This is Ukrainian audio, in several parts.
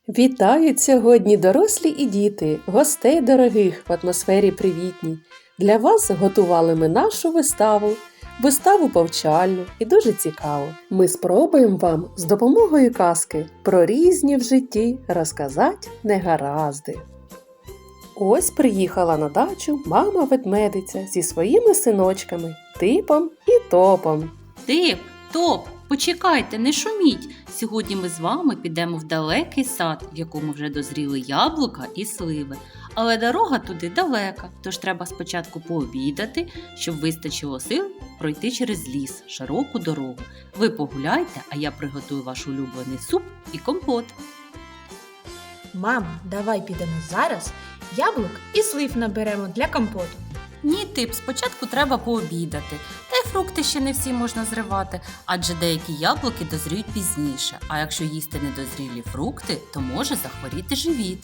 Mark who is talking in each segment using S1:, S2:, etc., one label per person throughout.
S1: Вітають сьогодні дорослі і діти, гостей дорогих в атмосфері привітній. Для вас готували ми нашу виставу повчальну і дуже цікаву. Ми спробуємо вам з допомогою казки про різні в житті розказати негаразди. Ось приїхала на дачу мама-ведмедиця зі своїми синочками Типом і Топом.
S2: Тип, Топ, почекайте, не шуміть. Сьогодні ми з вами підемо в далекий сад, в якому вже дозріли яблука і сливи. Але дорога туди далека, тож треба спочатку пообідати, щоб вистачило сил пройти через ліс, широку дорогу. Ви погуляйте, а я приготую ваш улюблений суп і компот.
S3: Мамо, давай підемо зараз, яблук і слив наберемо для компоту.
S2: Ні, Тип, спочатку треба пообідати. Та й фрукти ще не всі можна зривати, адже деякі яблуки дозріють пізніше. А якщо їсти недозрілі фрукти, то може захворіти живіт.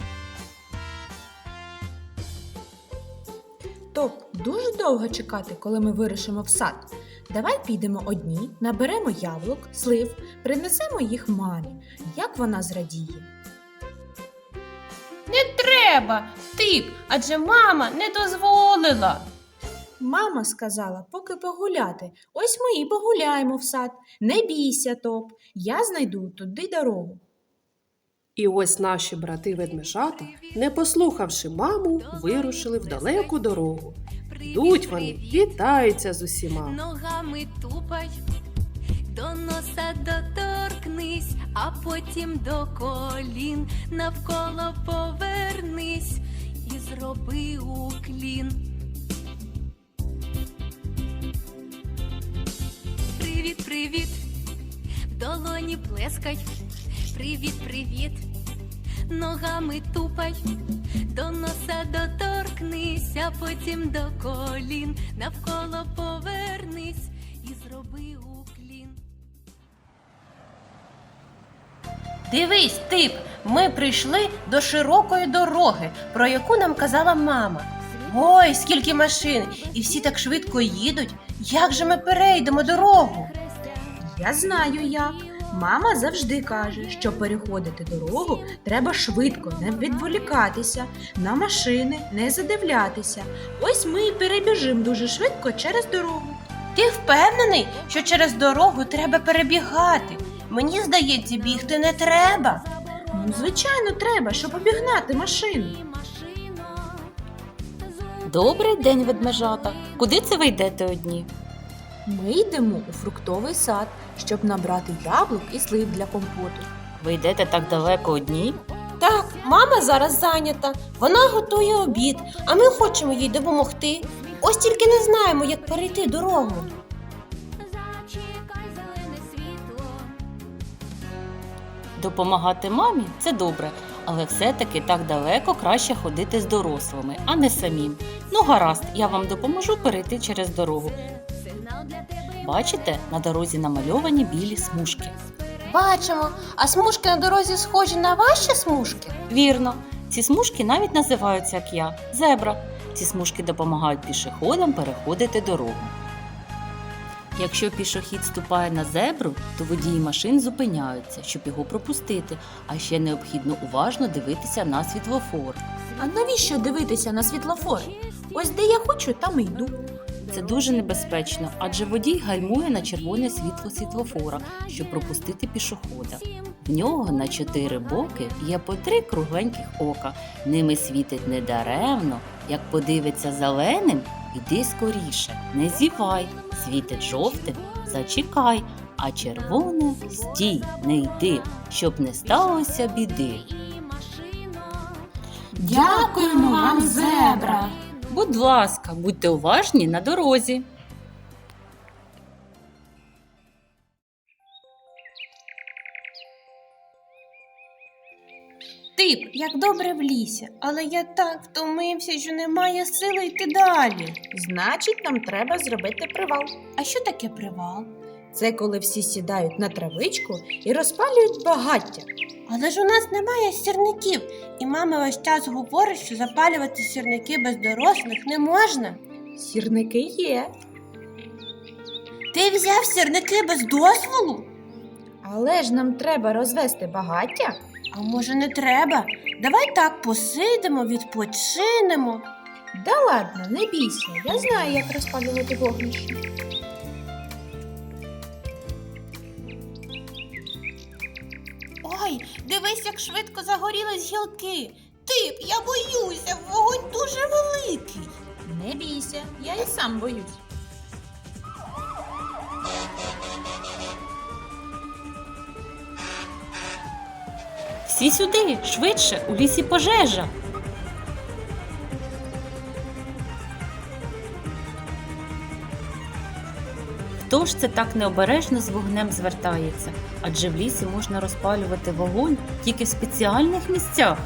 S3: Топ, дуже довго чекати, коли ми вирушимо в сад. Давай підемо одні, наберемо яблук, слив, принесемо їх мамі. Як вона зрадіє?
S4: Не треба, Тип, адже мама не дозволила.
S3: Мама сказала, поки погуляти. Ось ми і погуляємо в сад. Не бійся, Топ, я знайду туди дорогу.
S1: І ось наші брати-ведмежата, не послухавши маму, вирушили в далеку дорогу. Йдуть вони, вітаються з усіма.
S5: Ногами тупай, до носа доторкнись, а потім до колін, навколо повернись і зроби уклін. Привіт, привіт, в долоні плескай, привіт, привіт, ногами тупай, до носа доторкнись, а потім до колін, навколо повернись і зроби уклін.
S4: Дивись, Тип, ми прийшли до широкої дороги, про яку нам казала мама. Ой, скільки машин, і всі так швидко їдуть. Як же ми перейдемо дорогу?
S3: Я знаю як. Мама завжди каже, що переходити дорогу треба швидко, не відволікатися, на машини не задивлятися. Ось ми і перебіжимо дуже швидко через дорогу.
S4: Ти впевнений, що через дорогу треба перебігати? Мені здається, бігти не треба.
S3: Ну, звичайно, треба, щоб обігнати машину.
S2: Добрий день, ведмежата. Куди це ви йдете одні?
S3: Ми йдемо у фруктовий сад, щоб набрати яблук і слив для компоту.
S2: Ви йдете так далеко одні?
S4: Так, мама зараз зайнята. Вона готує обід, а ми хочемо їй допомогти. Ось тільки не знаємо, як перейти дорогу.
S5: Зачекай зелене світло.
S2: Допомагати мамі – це добре, але все-таки так далеко краще ходити з дорослими, а не самим. Ну гаразд, я вам допоможу перейти через дорогу.
S5: Сигнал для тебе.
S2: Бачите, на дорозі намальовані білі смужки.
S4: Бачимо, а смужки на дорозі схожі на ваші смужки?
S2: Вірно, ці смужки навіть називаються, як я, зебра. Ці смужки допомагають пішоходам переходити дорогу. Якщо пішохід ступає на зебру, то водії машин зупиняються, щоб його пропустити, а ще необхідно уважно дивитися на світлофор.
S3: А навіщо дивитися на світлофор? Ось де я хочу, там і йду.
S2: Це дуже небезпечно, адже водій гальмує на червоне світло світлофора, щоб пропустити пішохода. В нього на 4 боки є по 3 кругленьких ока. Ними світить недаремно. Як подивиться зеленим, іди скоріше, не зівай. Світить жовтим, зачекай, а червоним стій, не йди, щоб не сталося біди.
S3: Дякуємо вам, зебра!
S2: Будь ласка, будьте уважні на дорозі.
S4: Тип, як добре в лісі, але я так втомився, що немає сили йти далі.
S3: Значить, нам треба зробити привал.
S4: А що таке привал?
S3: Це коли всі сідають на травичку і розпалюють багаття.
S4: Але ж у нас немає сірників, і мама весь час говорить, що запалювати сірники без дорослих не можна.
S3: Сірники є.
S4: Ти взяв сірники без дозволу?
S3: Але ж нам треба розвести багаття.
S4: А може не треба? Давай так посидимо, відпочинемо.
S3: Да ладно, не бійся, я знаю, як розпалювати вогнище.
S4: Ой, дивись, як швидко загорілись гілки. Тип, я боюся, вогонь дуже великий.
S3: Не бійся, я і сам боюсь.
S2: Всі сюди, швидше, у лісі пожежа. Хто ж це так необережно з вогнем звертається? Адже в лісі можна розпалювати вогонь тільки в спеціальних місцях.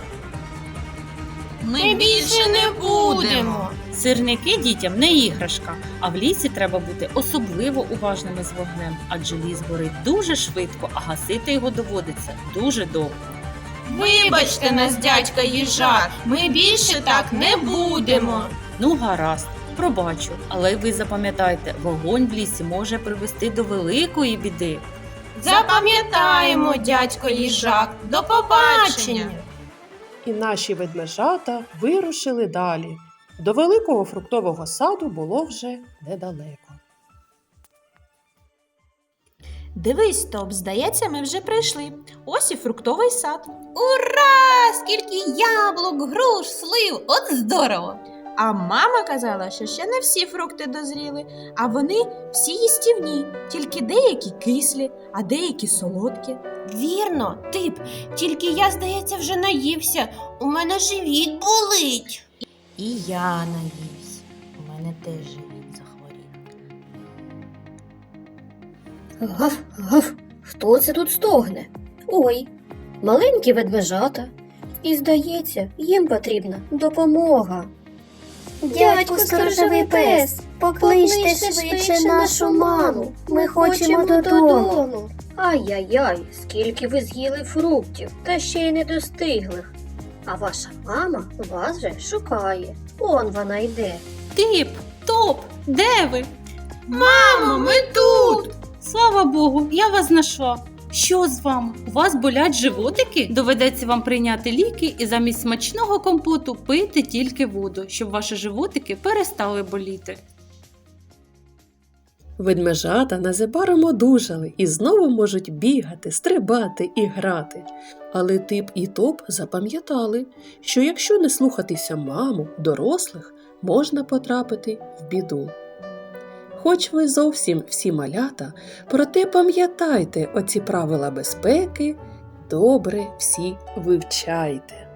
S4: Ми більше не будемо.
S2: Сирники дітям не іграшка, а в лісі треба бути особливо уважними з вогнем, адже ліс горить дуже швидко, а гасити його доводиться дуже довго.
S4: Вибачте нас, дядька їжак, ми більше так не будемо.
S2: Ну, гаразд, пробачу, але ви запам'ятайте, вогонь в лісі може привести до великої біди.
S4: Запам'ятаємо, дядько їжак. До побачення.
S1: І наші ведмежата вирушили далі. До великого фруктового саду було вже недалеко.
S3: Дивись, Топ, здається, ми вже прийшли. Ось і фруктовий сад.
S4: Ура! Скільки яблук, груш, слив! От здорово!
S3: А мама казала, що ще не всі фрукти дозріли, а вони всі їстівні, тільки деякі кислі, а деякі солодкі.
S4: Вірно, тип, тільки я, здається, вже наївся. У мене живіт болить.
S3: І я наївся. У мене теж живіт захворів.
S6: Гав, гав, хто це тут стогне? Ой, маленькі ведмежата. І, здається, їм потрібна допомога. Дядьку сторожовий пес, покличте швидше нашу маму. Ми хочемо додому. Ай-яй-яй, скільки ви з'їли фруктів, та ще й недостиглих. А ваша мама вас же шукає. Он вона йде.
S2: Тип, Топ, де ви?
S4: Мамо, ми тут!
S2: Слава Богу, я вас знайшла. Що з вами? У вас болять животики? Доведеться вам прийняти ліки і замість смачного компоту пити тільки воду, щоб ваші животики перестали боліти.
S1: Ведмежата незабаром одужали і знову можуть бігати, стрибати і грати. Але Тип і Топ запам'ятали, що якщо не слухатися маму, дорослих, можна потрапити в біду. Хоч ви зовсім всі малята, проте пам'ятайте оці правила безпеки, добре всі вивчайте.